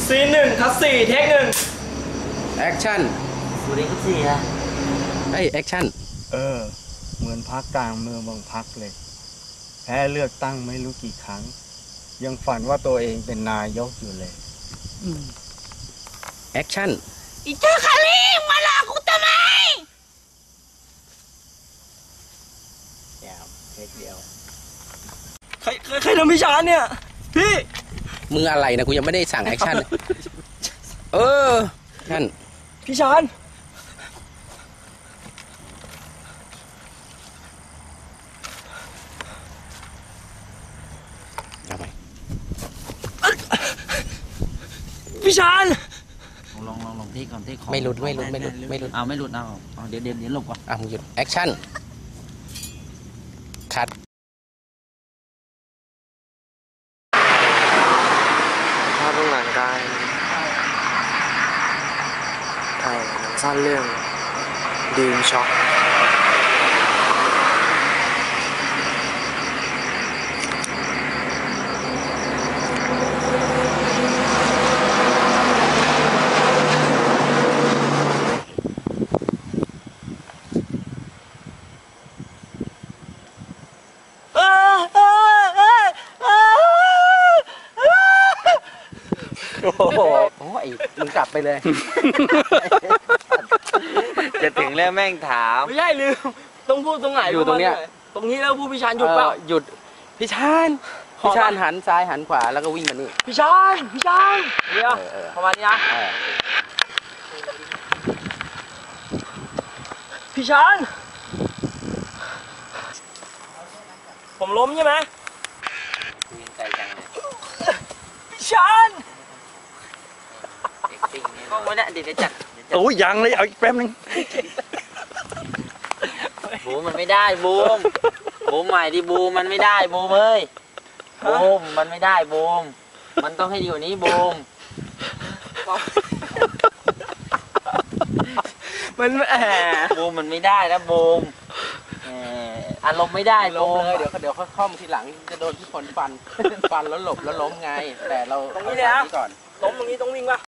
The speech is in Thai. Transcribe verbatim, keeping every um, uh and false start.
ซีนหนึ่งคัสสี่เทคหนึ่งแอคชั่นสวัสดีครับสี่อะเฮ้ยแอคชั่นเออเหมือนพักกลางเมืองบางพักเลยแพ้เลือกตั้งไม่รู้กี่ครั้งยังฝันว่าตัวเองเป็นนายกอยู่เลยแอคชั่นอีเจ้าคารีมาหลอกกูทำไมเดี๋ยวเทคเดียวใครใครทำพี่ชานเนี่ยพี่มึงอะไรนะกูยังไม่ได้สั่งแอคชั่นเออท่านพี่ชานเอาไปพี่ชานลองลองลองเทคก่อนเทคของไม่หลุดไม่หลุดไม่หลุดไม่หลุดเอาไม่หลุดเอาเอาเดี๋ยวเดี๋ยวเดี๋ยวหลบก่อนอ่ะมึงหยุดแอคชั่นคัดภาพเบื้องหลังการถ่ายหนังสั้นเรื่องดีมช็อกโอ้โหโอ้ยมึงกลับไปเลยจะถึงแล้วแม่งถามไม่ใช่ลืมต้องพูดตรงไหนอยู่ตรงเนี้ยตรงนี้แล้วพูดพี่ชานหยุดเปล่าหยุดพี่ชานพี่ชานหันซ้ายหันขวาแล้วก็วิ่งมานี่พี่ชานพี่ชานเดี๋ยวประมาณนี้นะพี่ชานผมล้มใช่ไหมใจจังเลยพี่ชานก็ไม่ได้เดี๋ยวจัดโอ้ยยังเลยเอาอีกแป๊บนึงบูมมันไม่ได้บูมบูมใหม่ดิบูมมันไม่ได้บูมเอ้ยบูมมันไม่ได้บูมมันต้องให้อยู่นี้บูมมันแหมบูมมันไม่ได้นะบูมอารมณ์ไม่ได้ล้มเลยเดี๋ยวเดี๋ยวค่อมทีหลังจะโดนพี่ฝนฟันฟันแล้วหลบแล้วล้มไงแต่เราตรงนี้เลยนะก่อนล้มตรงนี้ต้องวิ่งป่ะ